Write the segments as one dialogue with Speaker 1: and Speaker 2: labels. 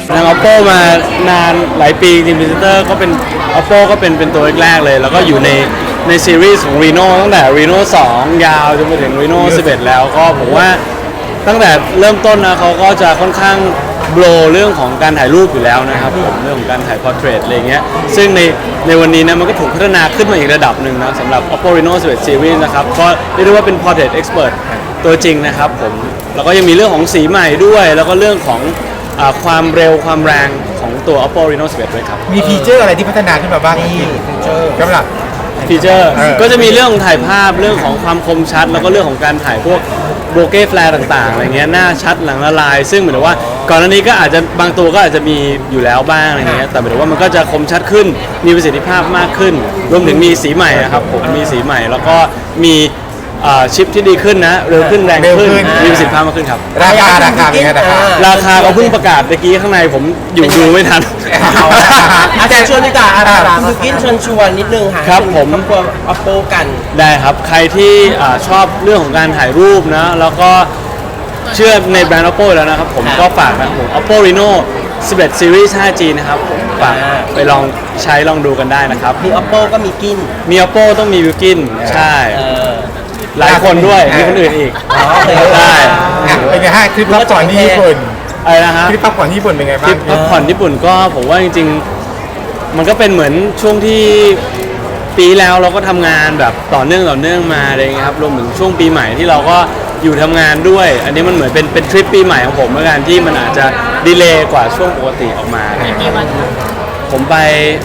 Speaker 1: ทาง Oppo มานานหลายปีจริงๆ Visitor ก็เป็น Oppo ก็เป็นตัวแรกๆเลยแล้วก็อยู่ในซีรีส์ของ Reno ตั้งแต่ Reno 2 ยาวจนไปถึง Reno 11 แล้วก็ผมว่าตั้งแต่เริ่มต้นนะเขาก็จะค่อนข้างโบรเรื่องของการถ่ายรูปอยู่แล้วนะครับผมเรื่องของการถ่าย portrait อะไรเงี้ยซึ่งในวันนี้นะมันก็ถูกพัฒนาขึ้นมาอีกระดับหนึ่งนะสำหรับ Oppo Reno 11 Series นะครับก็เรียกได้ว่าเป็น portrait expert ตัวจริงนะครับผมแล้วก็ยังมีเรื่องของสีใหม่ด้วยแล้วก็เรื่องของความเร็วความแรงของตัว Oppo Reno 11 ด้วยครับ
Speaker 2: มีฟีเจอร์อะไรที่พัฒนาขึ้นมาบ้างที่สำหรับ
Speaker 1: ฟีเจอร์ก็จะมีเรื่องของถ่ายภาพเรื่องของความคมชัดแล้วก็เรื่องของการถ่ายพวกโบเก้แฟลร์ต่างๆอะไรเงี้ยหน้าชัดหลังละลายซึ่งเหมือนว่าก่อนหน้านี้ก็อาจจะบางตัวก็อาจจะมีอยู่แล้วบ้างอะไรเงี้ยแต่หมายถึงว่ามันก็จะคมชัดขึ้นมีประสิทธิภาพมากขึ้นรวมถึงมีสีใหม่ครับผมมีสีใหม่แล้วก็มีชิปที่ดีขึ้นนะเร็วขึ้นแรงขึ้นมีประสิทธิภาพมากขึ้นครับ
Speaker 2: ราคาเป็นไง
Speaker 1: ราคาเขาเพิ่งประกาศเมื่อกี้ข้างในผมอยู่ดูไม่ทัน
Speaker 3: อาจารย์ชวนดีกว่าคุณกินชวนนิดนึงค่ะ
Speaker 1: ครับผม
Speaker 3: ครอบครัว Oppo กัน
Speaker 1: ได้ครับใครที่ชอบเรื่องของการถ่ายรูปนะแล้วก็เชื่อในแบรนด์ Oppo แล้วนะครับผมก็ฝากนะผม Oppo Reno 11 Series 5G นะครับผมฝากไปลองใช้ลองดูกันได้นะครับ
Speaker 3: มี Oppo ก็มีกิน
Speaker 1: มี Oppo ต้องมีวิวกินใช่หลายคนด้วยมีคนอื่นอีก
Speaker 2: ใช่เป็นไงฮะทริปพักผ่อนที่ญี่ปุ่น
Speaker 1: อะไรนะฮะ
Speaker 2: ทริปพักผ่อนที่ญี่ปุ่นเป็นไงบ้าง
Speaker 1: ทริปพักผ่อนญี่ปุ่นก็ผมว่าจริงๆมันก็เป็นเหมือนช่วงที่ปีแล้วเราก็ทำงานแบบต่อเนื่องมาอะไรเงี้ยครับรวมถึงช่วงปีใหม่ที่เราก็อยู่ทำงานด้วยอันนี้มันเหมือนเป็นทริปปีใหม่ของผมเหมือนกันที่มันอาจจะดีเลย์กว่าช่วงปกติออกมาผมไป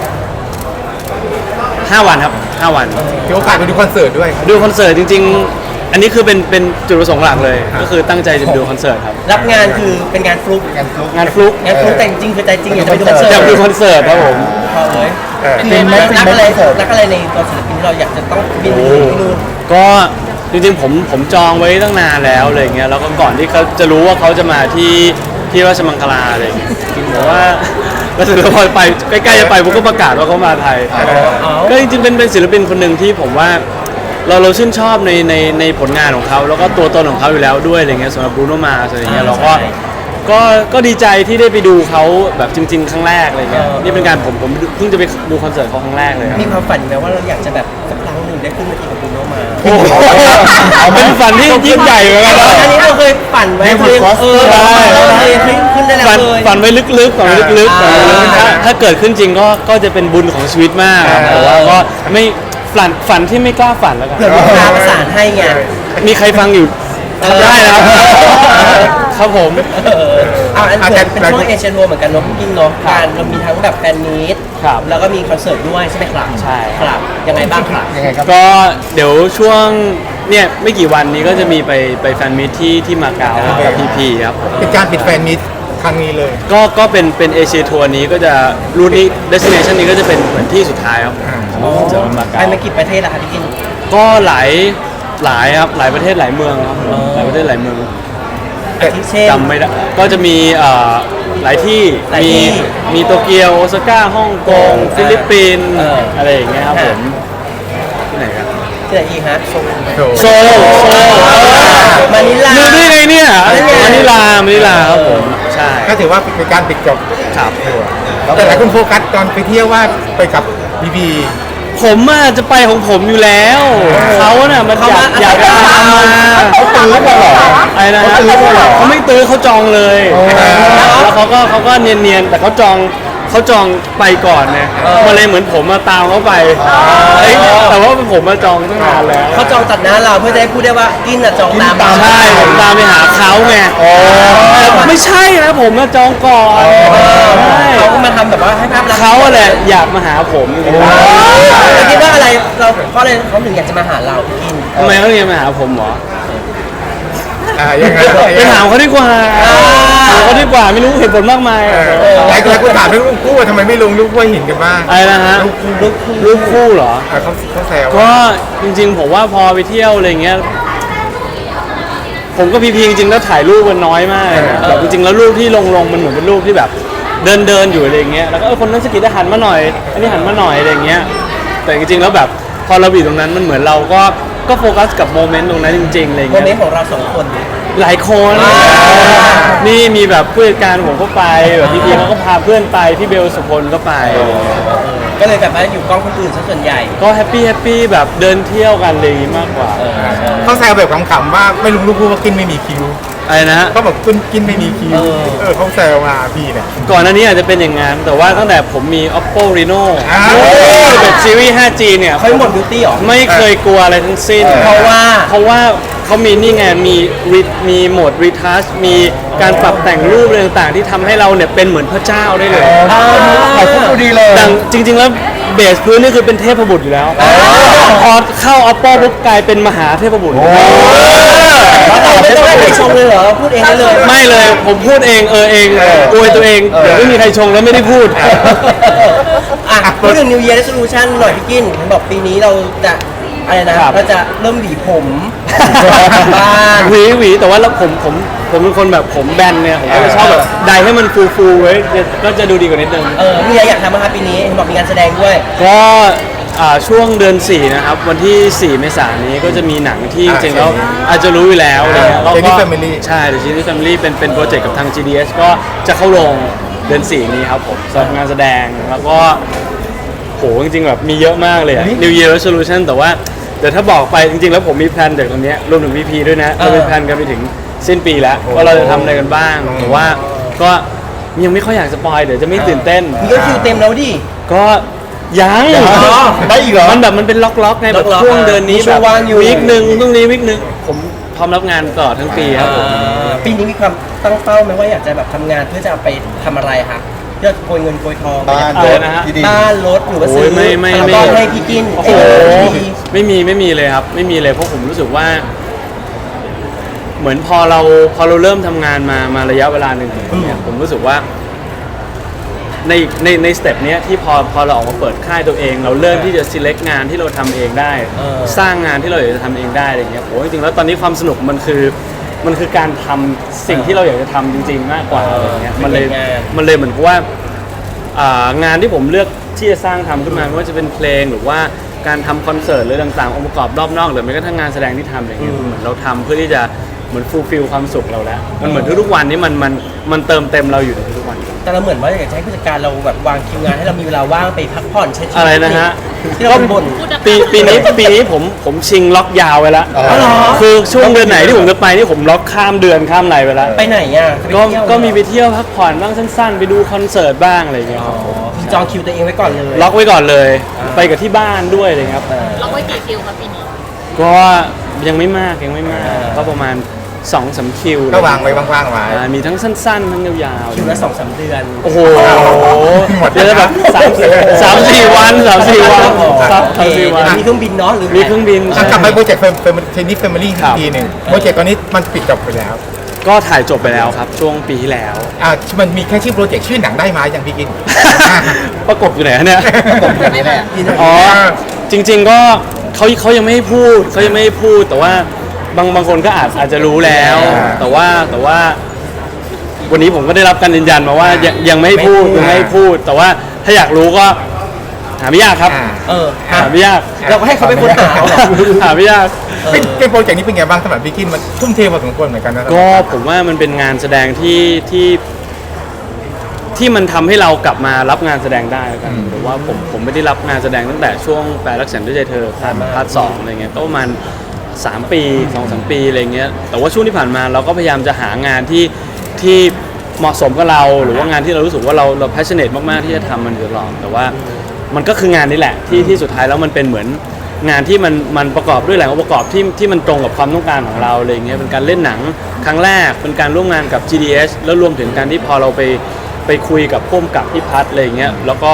Speaker 1: 5 วันครับ5 วัน
Speaker 2: มีโอกาสไปดูคอนเสิร์ตด้วย
Speaker 1: ดูคอนเสิร์ตจริงๆอันนี้คือเป็นจุดประสงค์หลักเลยก็คือตั้งใจจะดูคอนเสิร์ตครับ
Speaker 3: รับงานคือเป็นงานฟลุก
Speaker 1: งานฟลุก
Speaker 3: แต่จริงคือใจจริงอยากจะไปดูคอนเสิร์ต
Speaker 1: อยากดูคอนเสิร์ตครับผม
Speaker 3: คือรักอะไรในตัวศิลปินที่เราอยากจะต้องบินไปดู
Speaker 1: ก็จริงๆผมจองไว้ตั้งนานแล้วอะไรเงี้ยแล้วก็ก่อนที่เขาจะรู้ว่าเขาจะมาที่ราชมังคลาอะไรเงี้ยจริงๆว่าก็ถือว่าพอไปใกล้ๆจะไปผมก็ประกาศว่าเขามาไทยก็จริงๆเป็นศิลปินคนหนึ่งที่ผมว่าเราชื่นชอบในผลงานของเขาแล้วก็ตัวตนของเขาอยู่แล้วด้วยอะไรเงี้ยสำหรับ Bruno Mars อะไรเงี้ยเราก็ดีใจที่ได้ไปดูเขาแบบจริงๆครั้งแรกอะไรเงี้ยนี่เป็นการผมเพิ่งจะไปดูคอนเสิร์ตเขาครั้งแรกเลย
Speaker 3: มีความฝันไหมว่าเราอยากจะแบบสักครั้งหนึ่งได้ขึ้นเวทีกับ Bruno Mars
Speaker 1: เป็นฝันที่ยิ่งใหญ่เหมือนกันนะ
Speaker 3: อันนี้เราเคยฝันไว้เคยขึ้นได้แล้วเลย
Speaker 1: ฝันไว้ลึกๆถ้าเกิดขึ้นจริงก็จะเป็นบุญของชีวิตมากแต่ว่าก็ไม่ฝันที่ไม่กล้าฝันแล้วกัน
Speaker 3: เผื่อลูกค้าประสานให้ไง
Speaker 1: มีใครฟังอยู่ได้นะครับผม
Speaker 3: อันเป็นช่วงเอเชียทัวร์เหมือนกันเนาะพี่กินเนาะการเรามีทั้งแบบแฟนมีตแล้วก็มีคอนเสิร์ตด้วยใช่ไหมครับ
Speaker 1: ใช่
Speaker 3: ครับยังไงบ้างครับ
Speaker 1: ก็เดี๋ยวช่วงเนี่ยไม่กี่วันนี้ก็จะมีไปแฟนมีตที่มาเก๊ากับพีครับ
Speaker 2: เป็นการปิดแฟนมีตครั้งนี้เลย
Speaker 1: ก็เป็นเอเชียทัวร์นี้ก็จะรูทนี้เดสติเนชันนี้ก็จะเป็นเหมือนที่สุดท้ายครับ
Speaker 3: จะมาเก๊าไปกี่ประเทศล่ะครับพี่กิน
Speaker 1: ก็หลายครับหลายประเทศหลายเมืองครับหลายประเทศหลายเมืองจำไม่ได้ก็จะมีหลายที่มีโตเกียวโอซาก้าฮ่องกงฟิลิปปินส์อะไรอย่างเงี้ยครับผมที่ไหนครับ
Speaker 3: ที่ไหนอีกฮะ
Speaker 1: โซล
Speaker 3: มานิลา
Speaker 1: ดูได้ไงเนี่ยมานิลาครับผมใช่
Speaker 2: ก็ถือว่าเป็นการปิดจบ
Speaker 1: ครับ
Speaker 2: แต่หลายคนโฟกัสตอนไปเที่ยวว่าไปกับบี
Speaker 1: ผมจะไปของผมอยู่แล้วเขาน่ะมันอยากจะทำมา
Speaker 2: เขาตื้อมาหรอ
Speaker 1: อะไรนะเขาไม่ตื้อเขาจองเลยแล้วเขาก็เนียนๆแต่เขาจองไปก่อนเนี่ยมาเลยเหมือนผมมาตามเขาไปแต่ว่าผมมาจองตั้งนานแล้ว
Speaker 3: เขาจองตัดหน้าเราเพื่อจะได้พูดได้ว่ากินจองตาม
Speaker 1: ใช่ผมตามไปหาเขาไงไม่ใช่นะผมมาจองก่อน
Speaker 3: เขาก็มาทำแบบว่าให้ภาพลักษณ์
Speaker 1: เขาแหละอยากมาหาผม
Speaker 3: คิดว่าอะไรเพราะอะไรเขาถึงอยากจะมาหาเรากิน
Speaker 1: ทำไมเขาอยากมาหาผมหรอ
Speaker 2: ยังไง
Speaker 1: ไปถามเขาดีกว่าไม่รู้เหตุผลมากมาย
Speaker 2: หลายคนถามเรื่องคู่ว่าทำไมไม่ลงรูปคู่หินกันบ้าง
Speaker 1: อะไรนะฮะรูปคู่เหรอ
Speaker 2: เขาแซว
Speaker 1: ก็จริงๆผมว่าพอไปเที่ยวอะไรเงี้ยผมก็พีจริงๆแล้วถ่ายรูปกันน้อยมากแบบจริงๆแล้วรูปที่ลงมันเหมือนเป็นรูปที่แบบเดินอยู่อะไรเงี้ยแล้วก็คนนั้นสกิดหันมาหน่อยอันนี้หันมาหน่อยอะไรเงี้ยแต่จริงๆแล้วแบบพอเราอยู่ตรงนั้นมันเหมือนเราก็โฟกัสกับโมเมนต์ตรงนั้นจริงๆอะไรเงี้ย
Speaker 3: โมเมนต์ของเรา2 คน
Speaker 1: หลายคนนี่มีแบบผู้จัดการผมก็ไปแบบพี่เขาก็พาเพื่อนไปพี่เบลสุพลก็ไป
Speaker 3: ก็เลยแบบว่าอยู่กล้องคนอื่นซะส่วนใหญ่
Speaker 1: ก็แฮปปี้แบบเดินเที่ยวกันอะไรอย่างงี้มากกว่า
Speaker 2: เขาแซวแบบขำๆว่าไม่รู้ลูกว่ากินไม่มีคิว
Speaker 1: อะไรนะฮะ
Speaker 2: เขาบอกกินไม่มีคิวเขาแซวมาพี่เนี่ย
Speaker 1: ก่อนหน้านี้อาจจะเป็นอย่างงั้นแต่ว่าตั้งแต่ผมมี Oppo Reno แบบซีรีส์ 5G เนี่ย
Speaker 3: เขาหมดบิวตี้หรอ
Speaker 1: ไม่เคยกลัวอะไรทั้งสิ้น
Speaker 3: เพราะว่า
Speaker 1: เขามีนี่ไงมีโหมด retouch มีการปรับแต่งรูปอะไรต่างๆ ที่ทำให้เราเนี่ยเป็นเหมือนพระเจ้าได้เลย
Speaker 2: ถ่ายรูปดูดีเลย
Speaker 1: แต่จริงๆแล้วเบสพื้นนี่คือเป็นเทพบุตรอยู่แล้วพอเข้า Oppo ปุ๊บกลายเป็นมหาเทพบุตร
Speaker 3: ไม่ต้องให้ใครชมเลยเหรอพูดเองได้เลย
Speaker 1: ไม่เลยผมพูดเองเองอวยตัวเองเดี๋ยวไม่มีใครชงแล้วไม่ได้พูด
Speaker 3: อ่ะพูดถึง New Year Resolution หน่อยพี่กินเห็นบอกปีนี้เราจะอะไรนะครับ เราจะเริ่มหวีผมบ้าง
Speaker 1: หวีแต่ว่าแล้วผมเป็นคนแบบผมแบนเนี่ยผมก็จะชอบแบบไดให้มันฟูไว้ก็จะดูดีกว่านิดนึง
Speaker 3: มีอะไรอยากทำไหมครับปีนี้เห็นบอกมีงานแสดงด้วย
Speaker 1: ก็ช่วงเดือน 4 นะครับ วันที่ 4 เมษายนนี้ก็จะมีหนังที่จริงๆแล้วอาจจะรู้อยู่แล้วอะไรเงี้ย
Speaker 2: Genie Family
Speaker 1: ใช่ The Genie Family เป็นโปรเจกต์กับทาง GDS ก็จะเข้าโรงเดือน 4 นี้ครับผมสำหรับงานแสดงแล้วก็โหจริงๆแบบมีเยอะมากเลยอะ New Year Resolution แต่ว่าเดี๋ยวถ้าบอกไปจริงๆแล้วผมมีแพลนจากตรงเนี้ยรวมถึง VP ด้วยนะเรามีแพลนกันไปถึงสิ้นปีแล้วว่าเราจะทำอะไรกันบ้างแต่ว่าก็ยังไม่ค่อยอยากสปอยเดี๋ยวจะไม่ตื่นเต้น
Speaker 3: มีก็คิวเต็มแล้วดิ
Speaker 1: ก็ยัง
Speaker 2: ได้อีกเหรอ
Speaker 1: มันแบบมันเป็นล็อกๆไงแบบ
Speaker 3: ล็อกๆ
Speaker 1: ช่วงเดือนนี้
Speaker 3: มีช่
Speaker 1: แบ
Speaker 3: วง
Speaker 1: บ
Speaker 3: ว่างอยู่
Speaker 1: วีคหนึ่งตรงนี้วีคหนึ่งผมพร้อมรับงานตลอดทั้งปีครับผม
Speaker 3: ปีนี้มีความตั้งเป้าไหมว่าอยากจะแบบทำงานเพื่อจะเอาไปทำอะไรคะเพื่อโกยเงินโกยทอง
Speaker 2: บ้าน
Speaker 1: อะไรนะฮะ
Speaker 2: ที่ดี
Speaker 3: บ้านรถหรือว่าซื้
Speaker 1: โอ้ยไม่
Speaker 3: บ้านให้พี่กิน
Speaker 1: โอ้โหไม่มีเลยครับไม่มีเลยเพราะผมรู้สึกว่า เหมือนพอเราเริ่มทำงานมาระยะเวลาหนึ่งเนี่ยผมรู้สึกว่าในสเต็ปเนี้ยที่พอเราออกมาเปิดค่ายตัวเอง เราเริ่มที่จะ select งานที่เราทำเองได้ สร้างงานที่เราอยากจะทำเองได้อะไรเงี้ยโอ้จริงๆแล้วตอนนี้ความสนุกมันคือการทำสิ่งที่เราอยากจะทำจริงๆมากกว่าอะไรเงี้ยมันเลยเหมือนกับว่างานที่ผมเลือกที่จะสร้างทำขึ้นมาไม่ว่าจะเป็นเพลงหรือว่าการทำคอนเสิร์ตหรือต่างๆองค์ประกอบรอบนอกหรือแม้กระทั่งงานแสดงที่ทำอะไรเงี้ยเหมือนเราทำเพื่อที่จะเหมือนฟูลฟิลความสุขเราแล้วมันเหมือนทุกๆวันนี้มันเติมเต็มเราอยู่ในทุกๆวัน
Speaker 3: แต่เราเหมือนว่าอยากจะให้ผู้จัดการเราแบบวางคิวงานให้เรามีเวลาว่างไปพักผ่อนใช้ชีวิต
Speaker 1: อะไรนะฮะ
Speaker 3: ที่เราบ่น
Speaker 1: ปีนี้ผมชิงล็อกยาวไว้แล้ว
Speaker 2: อ๋อเหรอ
Speaker 1: คือช่วงเดือนไหนที่ผมจะไปนี่ผมล็อกข้ามเดือนข้ามไหนไปแล้ว
Speaker 3: ไปไหนอ่ะจะไปเที่ยว
Speaker 1: ก็มีไปเที่ยวพักผ่อนบ้างสั้นๆ ไปดูคอนเสิร์ตบ้างอะไรอย่างเงี้ยครับผม
Speaker 3: คือจองคิวตัวเองไว้ก่อนเลย
Speaker 1: ล็อกไว้ก่อนเลย ไปกับที่บ้านด้วยอะไรเลยครับ
Speaker 4: ล็อกไว้กี่คิวครับปีนี้
Speaker 1: ก็ยังไม่มากก็ประมาณ 2-3 คิว
Speaker 2: ก็วางไว้ว่างๆไว้
Speaker 1: มีทั้งสั้นๆ ทั้งยาวๆ
Speaker 3: คิวละ2-3 เดือน
Speaker 1: โอ้โห
Speaker 2: หมด
Speaker 1: เดี๋ยวจะแบบ3-4 วัน3-4 วัน
Speaker 3: โอเค
Speaker 1: 3-4 วัน
Speaker 3: มีเครื่องบินเนาะหรือ
Speaker 1: มีเครื่องบิน
Speaker 2: กลับไปโปรเจกต์เทนนิสแฟมิลี่
Speaker 1: ครับ
Speaker 2: ทีหนึ่งโปรเจกต์ตอนนี้มันปิดจบไปแล้ว
Speaker 1: ก็ถ่ายจบไปแล้วครับ ช่วงปีที่แล้ว
Speaker 2: มันมีแค่ชื่อโปรเจกต์ชื่อหนังได้ไหมอย่างพี่กิน
Speaker 1: ประกบอยู่ไหนฮะเนี่ย
Speaker 4: ไม่มา
Speaker 1: อ๋อ จริงๆก็เขายังไม่ให้พูดแต่ว่าบางคนก็อาจจะรู้แล้ว แต่ว่าวันนี้ผมก็ได้รับการยืนยันมาว่ายังไม่ให้พูดแต่ว่าถ้าอยากรู้ก็หาไม่ยากครับ หาไม่ยาก
Speaker 3: เราก็ให้เขาไปค้นหาเอาเหรอ
Speaker 1: หาไม่ยาก
Speaker 2: เป็นโปรเจกต์นี้เป็นไงบ้างสำหรับพี่กินมันทุ่มเทพอสมควรเหมือนกันนะ
Speaker 1: ก็ผมว่ามันเป็นงานแสดงที่มันทำให้เรากลับมารับงานแสดงได้แล้วกันหรือว่าผมไม่ได้รับงานแสดงตั้งแต่ช่วงแปลรักฉันด้วยใจเธอพาร์ท 2อะไรเงี้ยก็ประมาณ3 ปี 2-3 ปีอะไรเงี้ยแต่ว่าช่วงที่ผ่านมาเราก็พยายามจะหางานที่เหมาะสมกับเราหรือว่างานที่เรารู้สึกว่าเรา passionate มากๆที่จะทำมันอยู่ตลอดแต่ว่ามันก็คืองานนี้แหละที่สุดท้ายแล้วมันเป็นเหมือนงานที่มันประกอบด้วยหลายองค์ประกอบที่มันตรงกับความต้องการของเราอะไรเงี้ยเป็นการเล่นหนังครั้งแรกเป็นการร่วมงานกับ GDS แล้วรวมถึงการที่พอเราไปคุยกับพุ่มกับพี่พัฒน์อะไรเงี้ยแล้วก็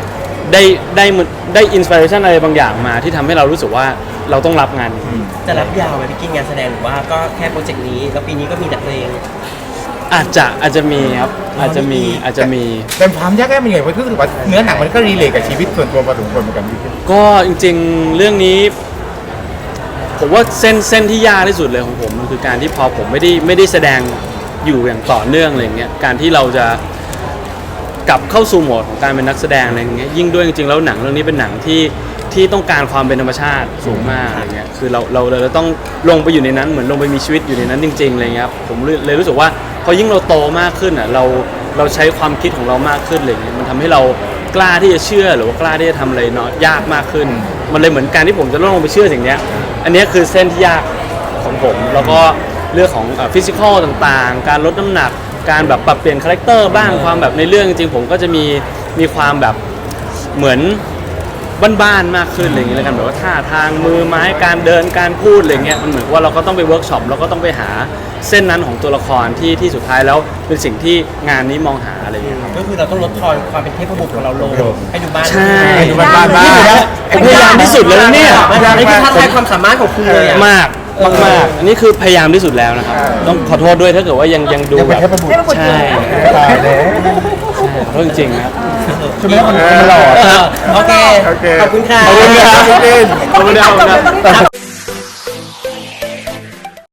Speaker 1: ได้อินสปิเรชันอะไรบางอย่างมาที่ทำให้เรารู้สึกว่าเราต้องรับงานนี้
Speaker 3: จะรับยาวไหมพี่กินงานแสดงหรือว่าก็แค่โปรเจกต์นี้แล้วปีนี้ก็มีแต่เพลง
Speaker 1: อาจจะมีครับอาจจะมี
Speaker 2: แต่ความยากแค่เป็นไงเพราะรู้สึกว่าเนื้อหนังมันก็รีเลทกับชีวิตส่วนตัวพอสมควรเหมือนกันพี่กิน
Speaker 1: ก็จริงๆเรื่องนี้ ผมว่าเส้นที่ยากที่สุดเลยของผมมันคือการที่พอผมไม่ได้แสดงอยู่อย่างต่อเนื่องอะไรเงี้ยการที่เราจะกลับเข้าสู่โหมดของการเป็นนักแสดงอะไรเงี้ยยิ่งด้วยจริงๆแล้วหนังเรื่องนี้เป็นหนังที่ที่ต้องการความเป็นธรรมชาติสูงมากอะไรเงี้ยคือเราต้องลงไปอยู่ในนั้นเหมือนลงไปมีชีวิตอยู่ในนั้นจริงๆอะไรเงี้ยครับผมเลยรู้สึกว่าพอยิ่งเราโตมากขึ้นอ่ะเราใช้ความคิดของเรามากขึ้นอะไรเงี้ยมันทำให้เรากล้าที่จะเชื่อหรือว่ากล้าที่จะทำอะไรเนาะยากมากขึ้น มันเลยเหมือนการที่ผมจะลงไปเชื่อสิ่งเนี้ยอันเนี้ยคือเส้นที่ยากของผมแล้วก็เรื่องของฟิสิกอลต่างๆการลดน้ำหนักการแบบปรับเปลี่ยนคาแรคเตอร์บ้างความแบบในเรื่องจริงๆผมก็จะมีความแบบเหมือนบ้านๆมากขึ้นอะไรอย่างเงี้ยแล้วกันแบบว่าท่าทางมือไม้การเดินการพูดอะไรเงี้ยมันเหมือนว่าเราก็ต้องไปเวิร์กช็อปเราก็ต้องไปหาเส้นนั้นของตัวละครที่สุดท้ายแล้วเป็นสิ่งที่งานนี้มองหาอะไรอย่างเงี้ยครับ
Speaker 3: ก็คือเราต้องลดทอนความเป็นเทพบุตรของเราลงให้ดูบ้าน
Speaker 1: ใช่
Speaker 2: ดูบ้านบ้าน
Speaker 1: ผมพยายามที่สุดแล้วนะเนี่ย
Speaker 3: นี่คือท้าทายความสามารถของคุณเลยอ่ะ
Speaker 1: มากอันนี้คือพยายามที่สุดแล้วนะครับต้องขอโทษด้วยถ้าเกิดว่ายังดู
Speaker 2: ยัง
Speaker 1: แบ
Speaker 2: เป็น
Speaker 1: บ
Speaker 2: เทพบุตร
Speaker 1: ใช่
Speaker 2: ตายแล้ว
Speaker 1: ขอโทษจริงๆนะครับ
Speaker 2: ใช่ไหมมันหล่อ
Speaker 3: โอเค
Speaker 2: โอเค
Speaker 3: ขอบคุณค่ะ
Speaker 1: ขอบคุณครับ
Speaker 2: เล่น
Speaker 1: ขอบคุณครับ